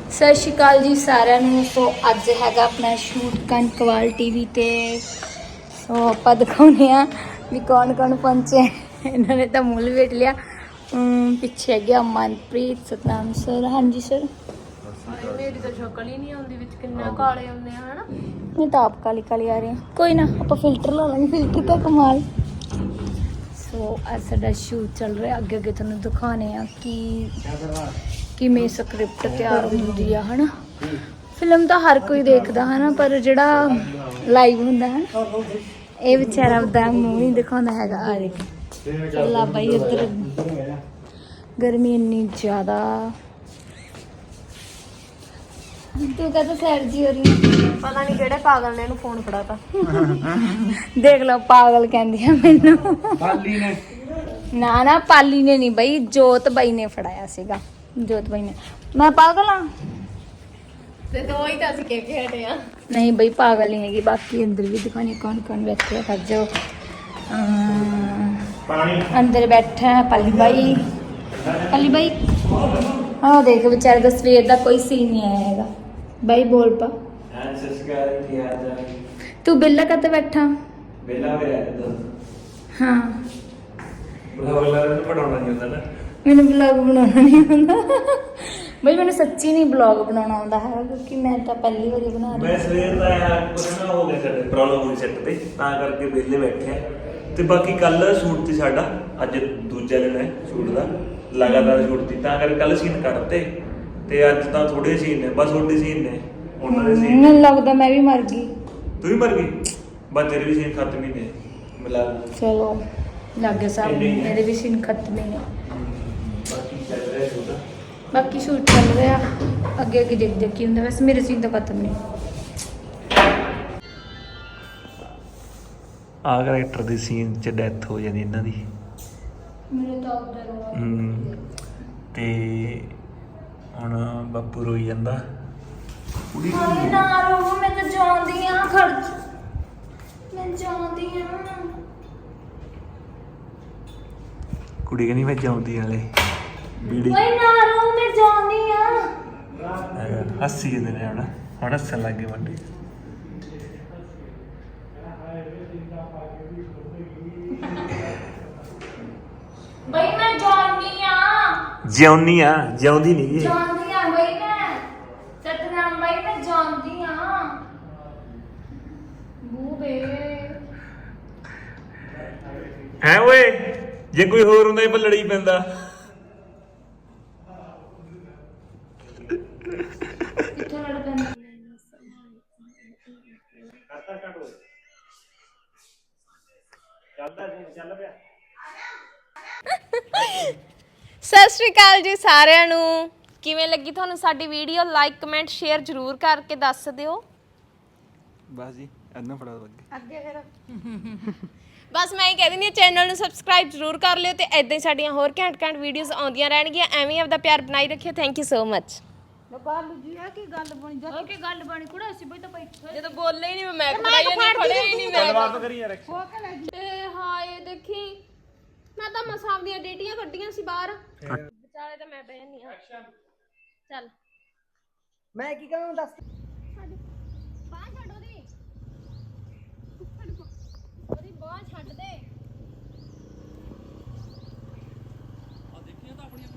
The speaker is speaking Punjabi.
ਸਤਿ ਸ਼੍ਰੀ ਅਕਾਲ ਜੀ ਸਾਰਿਆਂ ਨੂੰ। ਸੋ ਅੱਜ ਹੈਗਾ ਆਪਣਾ ਸ਼ੂਟ ਕਨਕਵਾਲ ਟੀਵੀ ਤੇ। ਸੋ ਆਪਾਂ ਦਿਖਾਉਂਦੇ ਆ ਵੀ ਕੌਣ ਕੌਣ ਪਹੁੰਚੇ। ਇਹਨਾਂ ਨੇ ਤਾਂ ਮੁੱਲ ਵੇਟ ਲਿਆ। ਪਿੱਛੇ ਹੈਗੇ ਮਨਪ੍ਰੀਤ, ਸਤਨਾਮ ਸਰ। ਹਾਂਜੀ ਸਰ। ਮੇਰੀ ਤਾਂ ਸ਼ਕਲ ਹੀ ਨਹੀਂ ਆਉਂਦੀ ਵਿੱਚ, ਕਿੰਨਾ ਕਾਲੇ ਹੁੰਦੇ ਆ ਹਨਾ। ਮੈਂ ਤਾਂ ਆਪ ਕਾਲੀ ਕਾਲੀ ਆ ਰਹੀ ਹਾਂ। ਕੋਈ ਨਾ, ਆਪਾਂ ਫਿਲਟਰ ਲਾ ਲਾਂਗੇ। ਫਿਲਟਰ ਤਾਂ ਕਮਾਲ। ਸੋ ਅੱਜ ਸਾਡਾ ਸ਼ੂਟ ਚੱਲ ਰਿਹਾ। ਅੱਗੇ ਅੱਗੇ ਤੁਹਾਨੂੰ ਦਿਖਾਉਣੇ ਆ ਕਿ ਕਿਵੇਂ ਸਕ੍ਰਿਪਟ ਤਿਆਰ ਹੁੰਦੀ ਆ ਹਨਾ। ਫਿਲਮ ਤਾਂ ਹਰ ਕੋਈ ਦੇਖਦਾ ਹਨਾ, ਪਰ ਜਿਹੜਾ ਲਾਈਵ ਹੁੰਦਾ ਹੈ ਇਹ ਵਿਚਾਰਾ ਆਪਦਾ ਮੂੰਹ ਨਹੀਂ ਦਿਖਾਉਂਦਾ ਹੈਗਾ। ਆ ਦੇਖ ਚੱਲਾ ਬਾਈ ਉੱਧਰ। ਗਰਮੀ ਇੰਨੀ ਜ਼ਿਆਦਾ। ਤੂੰ ਕਹਤਾ ਸੈਰ ਜੀ ਹੋ ਰਹੀ ਹੈ। ਪਤਾ ਨਹੀਂ ਕਿਹੜੇ ਪਾਗਲ ਨੇ ਇਹਨੂੰ ਫੋਨ ਫੜਾਤਾ। ਦੇਖ ਲਓ, ਪਾਗਲ ਕਹਿੰਦੀ ਆ ਮੈਨੂੰ। ਪਾਲੀ ਨੇ ਨਾ ਨਾ, ਪਾਲੀ ਨੇ ਨਹੀਂ ਬਈ, ਜੋਤ ਬਾਈ ਨੇ ਫੜਾਇਆ ਸੀਗਾ। ਜੋਤ ਬਾਈ ਨੇ। ਮੈਂ ਪਾਗਲ ਆ ਤੇ ਦੋ ਹੀ ਤਾਂ ਅਸੀਂ ਕਹਿ ਕੇ ਹਟੇ ਆ। ਨਹੀਂ ਬਈ, ਪਾਗਲ ਨਹੀਂ ਹੈਗੀ। ਬਾਕੀ ਅੰਦਰ ਵੀ ਦਿਖਾਣੀ ਕੌਣ ਕੌਣ ਬੈਠੇ ਕਰ ਜਾਓ। ਅੰਦਰ ਬੈਠਾ ਹੈ ਪਾਲੀ ਬਾਈ। ਪਾਲੀ ਬਾਈ ਆਹ ਦੇਖ, ਵਿਚਾਰੇ ਦਾ ਸਵੇਰ ਦਾ ਕੋਈ ਸੀਨ ਨਹੀਂ ਆਇਆ ਹੈਗਾ। ਬਾਈ ਬੋਲ ਪਾ। ਤੂੰ ਬਿੱਲਾ ਕਦ ਬੈਠਾ? ਹਾਂ, ਮੈਨੂੰ ਵਲੌਗ ਬਣਾਉਣਾ ਨਹੀਂ ਆਉਂਦਾ ਬਈ। ਮੈਨੂੰ ਸੱਚੀ ਨਹੀਂ ਵਲੌਗ ਬਣਾਉਣਾ ਆਉਂਦਾ ਹੈ, ਕਿਉਂਕਿ ਮੈਂ ਤਾਂ ਪਹਿਲੀ ਵਾਰੀ ਬਣਾ ਰਹੀ। ਮੈਂ ਸਵੇਰ ਦਾ ਯਾਰ ਕੁਝ ਨਾ ਹੋ ਗਿਆ, ਸਾਡੇ ਪ੍ਰੋਬਲਮ ਹੋਈ ਸੈੱਟ ਤੇ, ਤਾਂ ਕਰਕੇ ਵਿਹਲੇ ਬੈਠੇ ਆ। ਤੇ ਬਾਕੀ ਕੱਲ ਸ਼ੂਟ ਸੀ ਸਾਡਾ, ਅੱਜ ਦੂਜਾ ਦਿਨ ਹੈ ਸ਼ੂਟ ਦਾ। ਲਗਾਤਾਰ ਸ਼ੂਟ ਸੀ, ਤਾਂ ਕਰਕੇ ਕੱਲ ਸੀਨ ਕੱਢਤੇ ਤੇ ਅੱਜ ਤਾਂ ਥੋੜੇ ਸੀਨ ਨੇ, ਬਸ ਥੋੜੇ ਸੀਨ ਨੇ, ਉਹਨਾਂ ਦੇ ਸੀਨ। ਮੈਨੂੰ ਲੱਗਦਾ ਮੈਂ ਵੀ ਮਰ ਗਈ। ਤੂੰ ਵੀ ਮਰ ਗਈ? ਬਸ ਤੇਰੇ ਵੀ ਸੀਨ ਖਤਮ ਹੀ ਨੇ ਮਿਲਾ। ਚਲੋ ਲੱਗੇ ਸਾਹਿਬ, ਮੇਰੇ ਵੀ ਸੀਨ ਖਤਮ ਹੀ ਨੇ। ਬਾਕੀ ਚੱਲ ਰਿਹਾ ਸ਼ੂਟ। ਬਾਕੀ ਸ਼ੂਟ ਚੱਲ ਰਿਹਾ, ਅੱਗੇ ਅੱਗੇ ਦੇਖਦੇ ਕੀ ਹੁੰਦਾ। ਵੈਸੇ ਮੇਰੇ ਸੀਨ ਤਾਂ ਖਤਮ ਨਹੀਂ। ਆਹ ਕਰੈਕਟਰ ਦੀ ਸੀਨ 'ਚ ਡੈਥ ਹੋ ਜਾਂਦੀ ਇਹਨਾਂ ਦੀ। ਮੇਰੇ ਤਾਂ ਉਧਰ ਤੇ ਹੁਣ ਬਾਪੂ ਰੋਈ ਜਾਂਦਾ। ਹਾਏ ਨਾ ਰੋ, ਮੈਂ ਤਾਂ ਜਾਣਦੀ ਆ। ਖਰਚ ਮੈਂ ਜਾਣਦੀ ਆ। ਕੁੜੀ ਕਹਿੰਦੀ ਮੈਂ ਜਾਉਂਦੀ ਨਾਲੇ ਬੀੜੀ। ਓਏ ਨਾ ਰੋ, ਮੈਂ ਜਾਣਦੀ ਆ। ਹੱਸੀ ਜਾਂਦੇ ਨੇ ਹੁਣ ਹੱਸਣ ਲੱਗ ਗਏ ਮੁੰਡੇ। ਬਈ ਮੈਂ ਜਾਣਦੀ ਆ। ਜਿਉਂਦੀ ਆ, ਜਿਉਂਦੀ ਨਹੀਂ ਜੀ। ਜਾਣਦੀ ਆ ਬਈ ਮੈਂ। ਸਤਨਾਮ ਬਾਈ ਮੈਂ ਜਾਣਦੀ ਆ। ਬੂਬੇ ਹੈ ਓਏ, ਜੇ ਕੋਈ ਹੋਰ ਹੁੰਦਾ ਇਹ ਲੜੀ ਪੈਂਦਾ। ਕਿੱਥੇ ਲੜ ਪੈਂਦਾ? ਸਤਿ ਸ਼੍ਰੀ ਅਕਾਲ ਜੀ ਸਾਰਿਆਂ ਨੂੰ। ਕਿਵੇਂ ਲੱਗੀ ਤੁਹਾਨੂੰ ਸਾਡੀ ਵੀਡੀਓ? ਲਾਈਕ ਕਮੈਂਟ ਸ਼ੇਅਰ ਜ਼ਰੂਰ ਕਰਕੇ ਦੱਸ ਦਿਓ। ਬਸ ਜੀ ਇੰਨਾ ਫੜਾ ਦੋ ਅੱਗੇ ਫਿਰ ਬਸ ਮੈਂ ਹੀ ਕਹਿ ਦਿੰਦੀ ਹਾਂ, ਚੈਨਲ ਨੂੰ ਸਬਸਕ੍ਰਾਈਬ ਜ਼ਰੂਰ ਕਰ ਲਿਓ ਤੇ ਐਦਾਂ ਹੀ ਸਾਡੀਆਂ ਹੋਰ ਘੈਂਟ ਵੀਡੀਓਜ਼ ਆਉਂਦੀਆਂ ਰਹਿਣਗੀਆਂ। ਐਵੇਂ ਹੀ ਆਪਦਾ ਪਿਆਰ ਬਣਾਈ ਰੱਖਿਓ। Thank you so much. Balu ji ਆ ਕੀ ਗੱਲ ਬਣੀ? ਜਾ ਕੇ ਗੱਲ ਬਣੀ ਕੁੜਾ ਸੀ ਬਈ ਤਾਂ ਬੈਠੇ। ਜਦੋਂ ਬੋਲੇ ਹੀ ਨਹੀਂ ਮੈਂ ਖੜਾਈ ਨਹੀਂ, ਖੜਿਆ ਹੀ ਨਹੀਂ ਮੈਂ। ਗੱਲਬਾਤ ਕਰੀ ਯਾਰ। ਏ ਹਾਏ ਦੇਖੀ, ਮੈਂ ਤਾਂ ਮਸਾਂ ਦੀਆਂ ਡੇਟੀਆਂ ਕੱਢੀਆਂ ਸੀ ਬਾਹਰ, ਵਿਚਾਲੇ ਤਾਂ ਮੈਂ ਬਹਿ ਨਹੀਂ ਆ। ਚੱਲ ਮੈਂ ਕੀ ਕਹਾਂ ਦੱਸ। ਬਾਹ ਛੱਡ ਉਹਦੀ ਬਾਹ ਛੱਡ ਦੇ। ਆ ਦੇਖੀਆਂ ਤਾਂ ਆਪਣੀਆਂ